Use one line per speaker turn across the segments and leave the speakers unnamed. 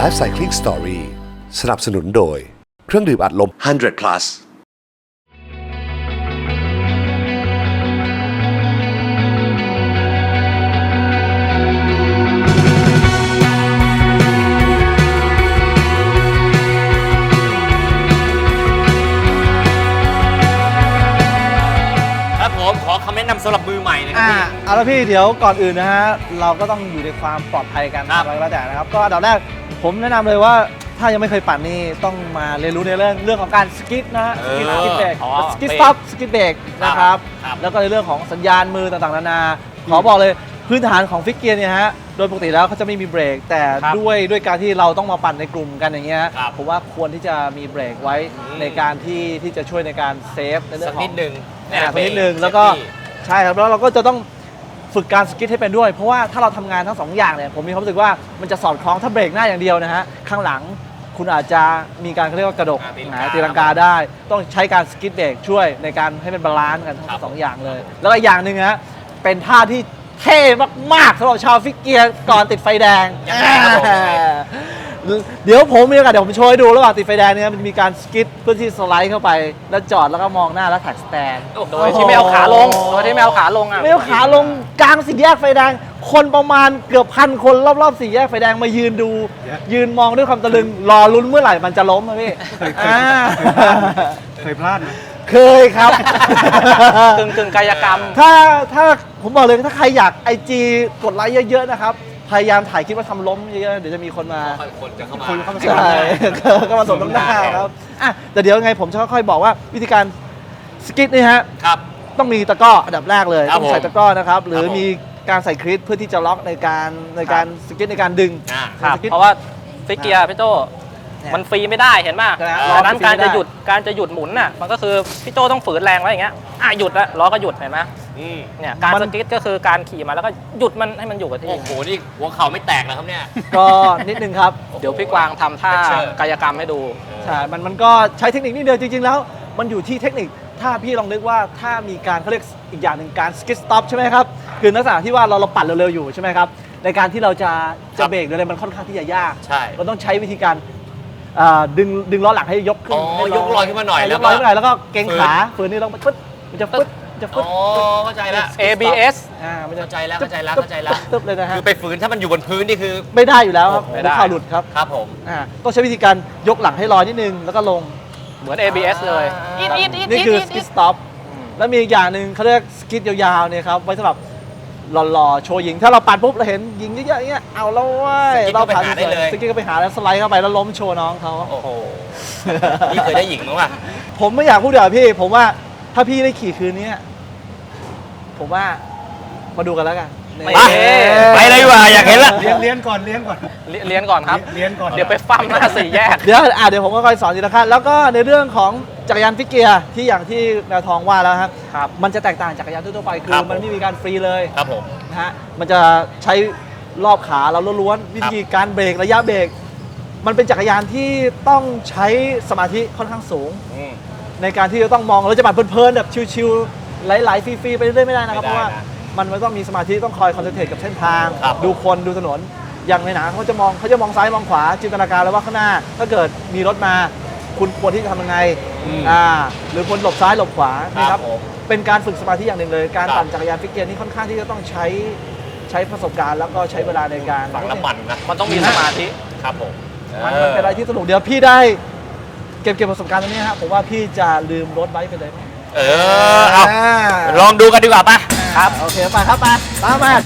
Life Cycling Story สนับสนุนโดยเครื่องดื่มอัดลม100 plus
ขอคำแนะนำสำหรับมือใหม่นะครับพี่
เอาละพี่เดี๋ยวก่อนอื่นนะฮะเราก็ต้องอยู่ในความปลอดภัยกันอะไรก็แล้วแต่นะครับก็อันดับแรกผมแนะนำเลยว่าถ้ายังไม่เคยปั่นนี่ต้องมาเรียนรู้ในเรื่องของการสกิดนะฮะสกิดเบรกสกิดสต็อปสกิดเบรกนะครับแล้วก็ในเรื่องของสัญญาณมือต่างๆนานาขอบอกเลยพื้นฐานของฟิกเกียร์เนี่ยฮะโดยปกติแล้วเขาจะไม่มีเบรกแต่ด้วยการที่เราต้องมาปั่นในกลุ่มกันอย่างเงี้ยผมว่าควรที่จะมีเบรกไว้ในการที่จะช่วยในการเซฟในเรื่องของนิดนึงแล้วก็ใช่ครับแล้วเราก็จะต้องฝึกการสกิดให้เป็นด้วยเพราะว่าถ้าเราทำงานทั้ง2อย่างเนี่ยผมมีความรู้สึกว่ามันจะสอดคล้องถ้าเบรกหน้าอย่างเดียวนะฮะข้างหลังคุณอาจจะมีการเรียกว่ากระดกตีลังกาได้ต้องใช้การสกิดเบรกช่วยในการให้เป็นบาลานซ์กันทั้ง2อย่างเลยแล้วก็อย่างหนึ่งฮะเป็นท่าที่เท่มากๆสำหรับชาวฟิกเกียร์ก่อนติดไฟแดงเดี๋ยวผมมีโอกาสเดี๋ยวผมโชว์ให้ดูระหว่างติดไฟแดงเนี่ยมันมีการสกิดเพื่อที่สไลด์เข้าไปแล้วจอดแล้วก็มองหน้าแล้วแท็กสแตน
โดยที่ไม่เอาขาลงไม่เอาขาลง
กลางสี่แยกไฟแดงคนประมาณเกือบ1,000 คนรอบๆสี่แยกไฟแดงมายืนดูยืนมองด้วยความตะลึงรอลุ้นเมื่อไหร่มันจะล้มนะพี่
เคยพลาดไหม
เคยครับ
กึ่งกายกรรม
ถ้าผมบอกเลยถ้าใครอยากIG กดไลค์เยอะๆนะครับพยายามถ่ายคลิปว่าทำล้มเยอะๆเดี๋ยวจะมีคนมา
คนจะเข้ามา
ใช่ก็มาสมน้ำหน้าครับแต่เดี๋ยวไงผมจะค่อยๆบอกว่าวิธีการสกิดนี่ฮะต้องมีตะกร้ออันดับแรกเลยต้องใส่ตะกร้อนะครับหรือมีการใส่คลิปเพื่อที่จะล็อกในการสกิดในการดึง
เพราะว่าฟิกเกียร์พี่โจมันฟรีไม่ได้เห็นป่ะดังนั้นการจะหยุดหมุนน่ะมันก็คือพี่โจต้องฝืนแรงไว้อย่างเงี้ยหยุดแล้วล้อก็หยุดเห็นไหมเนี่ยการสกิดก็คือการขี่มาแล้วก็หยุดมันให้มันอยู่กับที่
โอ้โหนี่หัวเข่าไม่แตกแล้วครับเนี่ย
ก็นิดนึงครับ
เดี๋ยวพี่กวางทำท่ากายกรรมให้ดู
ใช่มันก็ใช้เทคนิคนิดเดียวจริงๆแล้วมันอยู่ที่เทคนิคถ้าพี่ลองนึกว่าถ้ามีการเขาเรียกอีกอย่างหนึ่งการสกิดสต็อปใช่ไหมครับคือลักษณะที่ว่าเราปั่นเร็วๆอยู่ใช่ไหมครับในการที่เราจะเบรกอะไรมันค่อนข้างที่จะยากเราต้องใช้วิธีการดึงล้อหลังให้ยกขึ้น
ยกลอยขึ้นมาหน่อย
แล้วก็เกรงขาฝืนนี่ลงไปปึ๊บมันจะปึ๊บ
เข้าใจแล้ว
ABS
มันเข้าใจแล้ว
ตึ๊บเลยนะฮะ
คือไปฝืนถ้ามันอยู่บนพื้นนี่คือ
ไม่ได้อยู่แล้วครับไม่ได้
ข่
าวหลุดครับ
ครับผม
ต้องใช้วิธีการยกหลังให้ลอยนิดนึงแล้วก็ลง
เหมือน ABS เลย
นี่คือสกิดสต็อปแล้วมีอีกอย่างหนึ่งเขาเรียกสกิดยาวๆเนี่ยครับไว้สำหรับหล่อๆโชว์ยิงถ้าเราปั่นปุ๊บเราเห็นยิงเยอะๆอย่างเงี้ยเอาแล้วเว้ย
เราผ่านได้เลย
สกิดก็ไปหาแล้วสไลด์เข้าไปแล้วล้มโชว์น้องเขา
โอ้โหนี่เคยได้หญิงมั้งวะ
ผมไม่อยากพูดเดี๋ยวพี่ผมว่าถ้าพี่ได้ขี่คืนนี้ผมว่ามาดูกันแล้วกัน
ไปเลยดีกว่าอยากเห็นละ
เลี้ยนก่อน
ครับเลี้ยนก่อนเดี๋ยวไปฟั่มหน้าสี่แยก
เดี๋ยวผมก็ค่อยสอนทีละขั้นแล้วก็ในเรื่องของจักรยานฟิกเกียร์ที่อย่างที่แมวทองว่าแล้วครับมันจะแตกต่างจากจักรยานทั่วไปคือมันไม่มีการฟรีเลย
ครับผม
นะฮะมันจะใช้รอบขาเราล้วนๆวิธีการเบรกระยะเบรกมันเป็นจักรยานที่ต้องใช้สมาธิค่อนข้างสูงในการที่จะต้องมองเราจะปั่นเพลินๆแบบชิวๆไหลๆฟรีๆไปเรื่อยๆไม่ได้นะครับเพราะว่ามันต้องมีสมาธิต้องคอยคอนเซนเทรตกับเส้นทางดูคนดูถนนอย่างในหนังเขาจะมองซ้ายมองขวาจินตนาการแล้วว่าข้างหน้าถ้าเกิดมีรถมาคุณควรที่จะทำยังไงหรือควรหลบซ้ายหลบขวานี่ครับเป็นการฝึกสมาธิอย่างหนึ่งเลยการปั่นจักรยานฟิกเกียร์นี่ค่อนข้างที่จะต้องใช้ประสบการณ์แล้วก็ใช้เวลาในการ
ฝังน้ำมันนะ
มันต้องมีสมาธิ
ครับผม
มันเป็นอะไรที่สนุกเดี๋ยวพี่ได้เก็บประสบการณ์ตรงนี้ครับผมว่าพี่จะลืมรถไว้ไปเลย
เอาลองดูกันดีกว่าป่ะ
ครับโอเคไปครับตามมา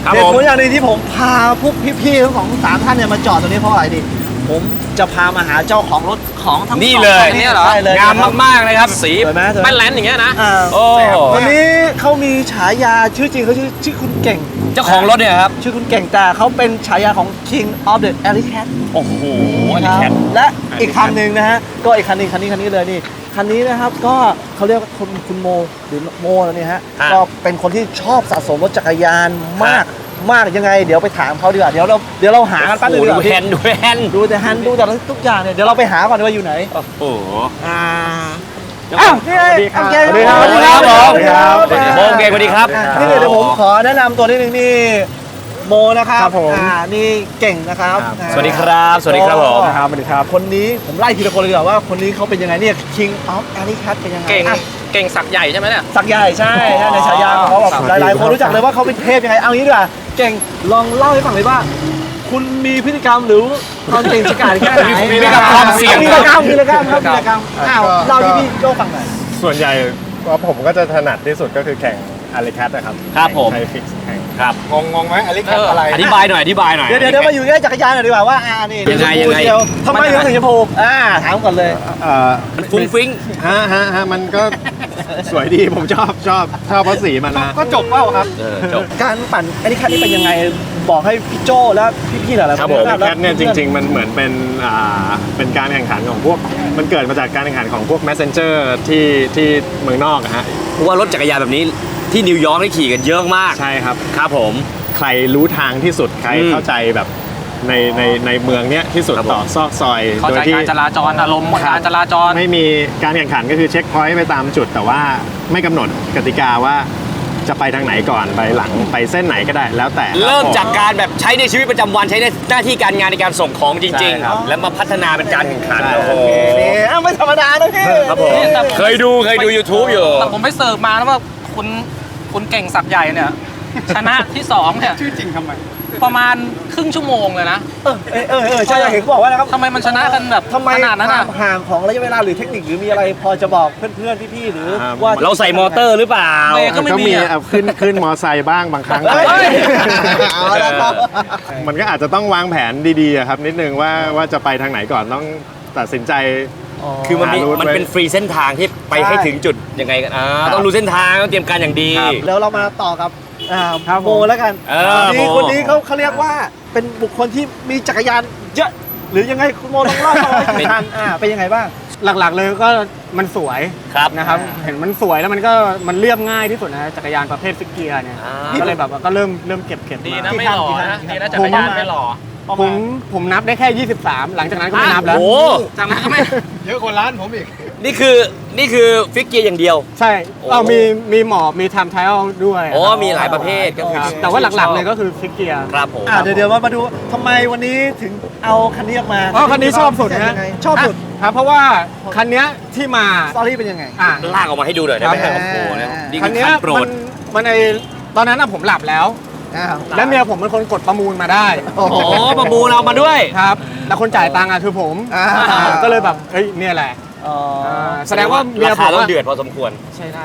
ครับ
เหตุผ
ผม
ลอย่างหนึงที่ผมพาพวกพี่ๆทั้งของ3ท่านเนี่ยมาจอดตรงนี้เพราะอะไรดิผมจะพามาหาเจ้าของรถของทั้ง
นี่
สอง
เลย
คัใช่เลย
งามมากๆเลยครับสี
สวยไหมสวยไหม
แป้นแลนด์อย่างเงี้ยนะ
อ่า
โอ้
วันนี้เขามีฉายาชื่อจริงเขาชื่อคุณเก่ง
เจ้าของรถเนี่ยครับ
ชื่อคุณเก่งแต่เขาเป็นฉายาของ King of the Alley Cat
โอ้โหอันนี้แคท
และอีกคันหนึ่งนะฮะก็อีกคันนี้เลยนี่คันนี้นะครับก็เขาเรียกว่าคุณโมหรือโมแล้วเนี่ยฮะก็เป็นคนที่ชอบสะสมรถจักรยานมากยังไงเดี๋ยวไปถามเขาดีกว่าเดี๋ยวเราหากันแป๊บนึงดีก
ดู
ว่า
แฮนด์ดูแฮนด์
ดูแต่ฮันดูแต่ทุกอย่างเนี่ยเดี๋ยวเราไปหาก่อนว่าอยู่ไหน
โอ้โห
อ้าวนี่ไงโอเค
สวัสดีครับ
สวัสดีครับ
สวัสดีครับ
สวัสดีครับ
โมเก่งสวัสดีครับ
นี่เดี๋ยวผมขอแนะนำตัวนิดนึงนี่โมนะครับ
ครับผม
นี่เก่งนะครับ
สวัสดีครับสวัสดีครับผม
ครับสวัสดีครับ
คนนี้ผมไล่ทีละคนเลยดีกว่าว่าคนนี้เขาเป็นยังไงเนี่ย King of Alley Cat เป็นยังไง
เก่ง
อ่ะ
เก่งสักใหญ่ใช่ไหมเนี่ย
สักใหญ่ใช่ในฉายาของเขาแบบหลายๆคนรู้จักเลยว่าเขาเป็นเทพยังไงเอางี้ดีกว่าเก่งลองเล่าให้ฟังเลยว่า คุณมีพฤติกรรมหรือความเก่งฉกาจแค่ไหน
มีพฤติกรรมความเสี่ยง
มีพฤติกรรมครับอ้าวเล่าที่พี่โจ้ฟังหน่อย
ส่วนใหญ่ว่าผมก็จะถนัดที่สุดก็คือแข่งอาริแคทนะครับ
ครับผม
ไทยฟิกซ์แข่ง
ครับ
งงไหมอาริแคทอะไร
อธิบายหน่อย
เดี๋ยวมาอยู่ใกล้จักรยานหน่อยดีกว่าว่านี่
ยังไง
เดี๋วทำไมถึงสีชมพูถามก่อนเลย
มันฟุ้งฟิ้ง
ฮะมันก็สวยดีผมชอบเพราะสีมันนะก็จบเปล่าครับ
จบ
การปั่นไอ้นี่คันนี้เป็นยังไงบอกให้พี่โจ้และพี่ๆหลายๆ
ครับ
ค
ผม
น
อาริแคทเนี่ยจริง ๆ มันเหมือนเป็นการแข่งขันของพวกมันเกิดมาจากการแข่งขันของพวก messenger ที่เมืองนอกอะฮะ
เพราะว่ารถจักรยานแบบนี้ที่นิวยอร์กได้ขี่กันเยอะมาก
ใช่ครับ
ครับผม
ใครรู้ทางที่สุดใครเข้าใจแบบในเมืองเนี้ยที่สุด
ครับผม
ต่อซอกซอย
เข้า
โด
ใจ
ยที่
การจราจรอารมณ์การจราจร
ไม่มีการแข่งขันก็คือเช็คพอยต์ไปตามจุด แต่ว่าไม่กำหนดกติกาว่าจะไปทางไหนก่อนไปหลังไปเส้นไหนก็ได้แล้วแต่
เริ่มจากการแบบใช้ในชีวิตประจำวันใช้ในหน้าที่การงานในการส่งของจริง
ใช่ครับ
ๆ แล้วมาพัฒนาเป็นการแข่งขัน
ใช่
โอ้โห
นี่ไม่ธรรมดานะพี่
ครับผม
นี่แต่
เคยดู YouTube อยู่
แต่ผมไปเสิร์ฟมาแล้วว่าคุณเก่งสักใหญ่เนี่ย ชนะที่2เนี่ย
ชื่อจริงทำไม
ประมาณครึ่งชั่วโมงเลยนะ
ใช่เห็นเขาบอกว่านะครับ
ทำไมมันชนะกันแบบ
ทำไม
ขนาดนั้น
ควา
อ่ะ
มห่างของระยะเวลาหรือเทคนิคหรือมีอะไรพอจะบอกเพื่อนๆพี่ๆหรือว่า
เราใส่มอเตอร์หรือเปล่า
เบรกก็ไม่
ก็
มี
มี
อะ
ขึ้นมอไซค์บ้างบางครั้ง
เฮ้ยเอาละครับ
มันก็อาจจะต้องวางแผนดีๆอะครับนิดนึงว่าจะไปทางไหนก่อนต้องตัดสินใจ
คือมัน
หารูทไว้
เป็นฟรีเส้นทางที่ไปให้ถึงจุดยังไงกันต้องรู้เส้นทางต้องเตรียมการอย่างดี
แล้วเรามาต่อกับโมแล้วกัน
โม
คนนี้เขาเรียกว่าเป็นบุคคลที่มีจักรยานเยอะหรือยังไงคุณโมลองเล่าให้ฟังเป็นยังไงบ้าง
หลักๆเลยก็มันสวย
ครับ
นะครับ เห็นมันสวยแล้วมันเรียบง่ายที่สุดนะจักรยานประเภทฟิกเกียร์เนี่ย ก็เลยแบบว่าก็เริ่มเก็บ
ดี
มา
นะไม่หล่อนะดีนะจักรยานไม่หล่อ
ผมนับได้แค่ 23 หลังจากนั้นก็ไม่นับแล้ว
โอ้
จากนั้นก็ไม่
เยอะกว่าร้านผมอีก
นี่คือฟิกเกียร์อย่างเดียว
ใช่
โอ้
มีหมอบมีไทม์ไทลด้วย
อ๋อมีหลายประเภทก็คือ
ครับแต่ว่าหลักๆเลยก็คือฟิกเกียร์
ครับผม
เดี๋ยวมาดูทำไมวันนี้ถึงเอาคันนี้ออกมา
คันนี้ชอบสุดนะ
ชอบสุด
ครับเพราะว่าคันเนี้ยที่มา
สตอรี่เป็นยังไง
ลากออกมาให้ดูหน่อยได้ไหม
ครับ
โอ้โหนะนี่
คั
คื
น
อ
เนี้ย
คันโปรด
มันตอนนั้นผมหลับแล้ว และเมียผมเป็นคนกดประมูลมาได้
โอ้โหประมูลเอามาด้วย
ครับแล้วคนจ่ายตังค์คือผม ก็เลยแบบเฮ้ยเนี่ยแหละแสดงว่าเมีย
รา
ผ
คาม ต้อง
อะ
เดือดพอสมควร
ใช่ได้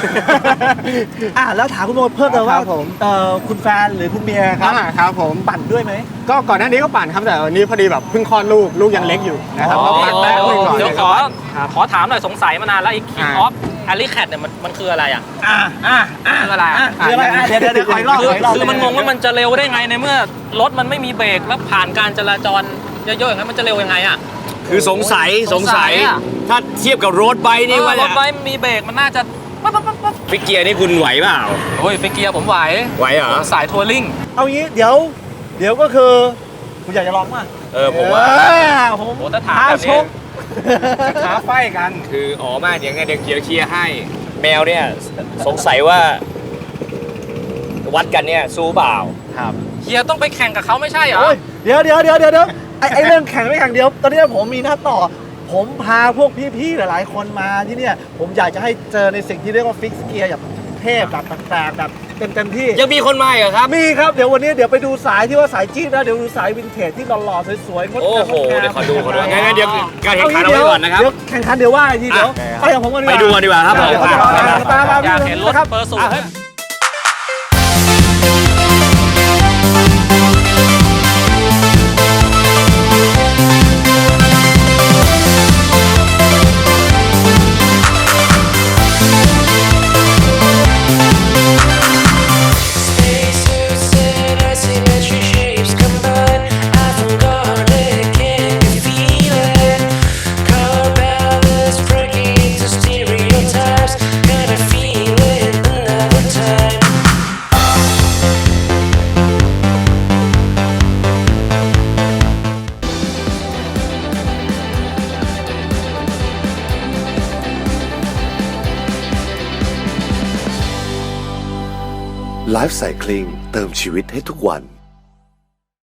แล้วถามคุณโมเพิ่มเติมว่า
ครับผม
คุณแฟนหรือคุณเมียครับ
ครับผม
ปั่นด้วยไหม
ก็ก่อนหน้านี้ก็ปั่นครับแต่วันนี้พอดีแบบเพิ่งคลอดลูกยังเล็กอยู่นะครับ
อ๋อ
ก็ปั่นแป๊บนึงก่อน
เดี๋ยว
ครับ
ขอถามหน่อยสงสัยมานานแล้วไอ้ King
อ่า
of Alley Cat เนี่ยมันคืออะไรอ่ะ คืออะไรอ่ะ
คืออะไรเดี๋ยวขออีกรอบ
คือมันงงว่ามันจะเร็วได้ไงในเมื่อรถมันไม่มีเบรกแล้วผ่านการจราจรเยอะๆอย่างนั้นมันจะเร็วยังไงอ่ะ
คือสงสัย
อะ
ถ้าเทียบกับรถไบค์นี่ว่าร
ถไฟมีเบรกมันน่าจะปั๊บ
ฟิกเกียร์นี่คุณไหวเปล่า
โอ้ยฟิกเกียร์ผมไหว
ไหวเหรอ
ผมสายทัวริ่ง
เอางี้เดี๋ยวก็คือคุณอยากจะลองป่ะ
ผมว่า
ผม
โอ้ถ้าถามแบบ
ช
นี้
ก
ท้าไฟกัน
คืออ๋อมากอย่างเงี้ยเดี๋ยวเชียร์ให้ แมวเนี่ยสงสัยว่า วัดกันเนี่ยสู้เปล่า
เฮียต้องไปแข่งกับเขาไม่ใช่เหรอ
โอ้ยเดี๋ยวไอ้เรื่องแข่งไม่แข่งเดียวตอนนี้ผมมีหน้าต่อ ผมพาพวกพี่ๆหลายๆคนมาที่เนี่ยผมอยากจะให้เจอในสิ่งที่เรียกว่าฟิกเกียร์แบบเทพแบบแปลกๆแบบเต็มที่
ยังมีคนมาอีกเหรอครับ
มีครับเดี๋ยววันนี้เดี๋ยวไปดูสายที่ว่าสายจี๊ดนะเดี๋ยวดูสายวินเทจที่หล่อๆสวยๆงด
โอ้
งาม
โห เดี๋ยวขอดูงั้นเดี๋ยวการแข่งขัน
เา
เอาไว้ก่อนนะครับ
เดี๋ยวแข่งขันเดี๋ยวว่าอีกทีเดี๋ยวไปกับผมกันดีกว่า
ไปดูกันดีกว่าครับผม
เดี๋ยวเขาจะมา
อยากเห็นรถเปอร์สูง
อ่ะ
Life Cycling เติมชีวิตให้ทุกวัน